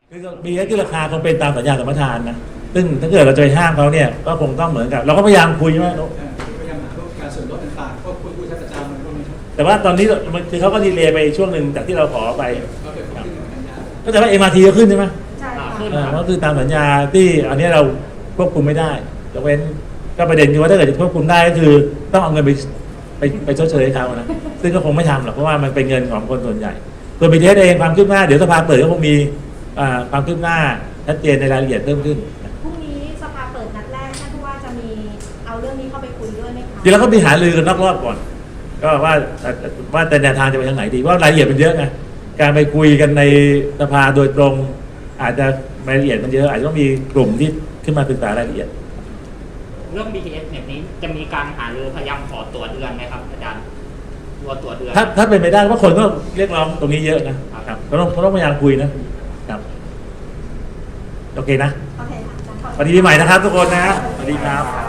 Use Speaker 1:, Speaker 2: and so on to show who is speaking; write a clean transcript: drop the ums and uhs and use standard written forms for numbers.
Speaker 1: คือBTSที่ราคาคงเป็นตามสัญญาสัมปทานนะซึ่งถ้าเกิดเราจะไปห้ามเขาเนี่ยก็คงต้องเหมือนกับเราก็พยายามคุยว่า
Speaker 2: พยายามหาการส่วนลดต่างๆก็คุยใช้ประจำมันก็มี
Speaker 1: แต่ว่าตอนนี้มันคือเขาก็ดีเลย์ไปช่วงหนึ่งจากที่เราขอไป
Speaker 2: ก็เกิดขึ้นเหมือนกันนะ
Speaker 1: ก็แต่ว่า MRT ก็ขึ้นใช่ไหม
Speaker 3: ใช่ค่ะ
Speaker 1: ก็คือตามสัญญาที่อันนี้เราควบคุมไม่ได้ยกเว้นก็ประเด็นคือว่าถ้าเกิดจะควบคุมได้ก็คือต้องเอาเงินไปชดเชยให้เขานะซึ่งก็คงไม่ทำหรอกเพราะว่ามันเป็นเงินของคนส่วนใหญ่ตัว BTS เองความคืบหน้าเดี๋ยวสภาเปิดก็คงมีความคืบหน้าชัดเจนในรายละเอียดเพิ่มขึ้น
Speaker 3: พรุ่งนี้สภาเปิดนัดแรกท่านผู้ว่าจะมีเอาเรื่องนี้เข้าไปคุยด้วยไหมคะ
Speaker 1: จริงแล้วก็มีหารือกันนอกรอบก่อนก็ว่าแต่แนวทางจะไปทางไหนดีว่ารายละเอียดมันเยอะไงการไปคุยกันในสภาโดยตรงอาจจะรายละเอียดมันเยอะอาจจะต้องมีกลุ่มที่ขึ้นมาศึกษารายละเอียด
Speaker 4: เรื่อง BTS แบบนี้จะมีการหารือพยายามขอตัวเดือนไหมครับอาจารย์ตัวเดือน
Speaker 1: ถ้าเป็นไปได้เพราะคนก็เรียกร้องตรงนี้เยอะนะครับก็ต้องพยายามคุยนะครับโอเคนะ
Speaker 3: โอเคค่ะ
Speaker 1: สวัสดีปีใหม่นะครับทุกคนนะสวัสดีครับ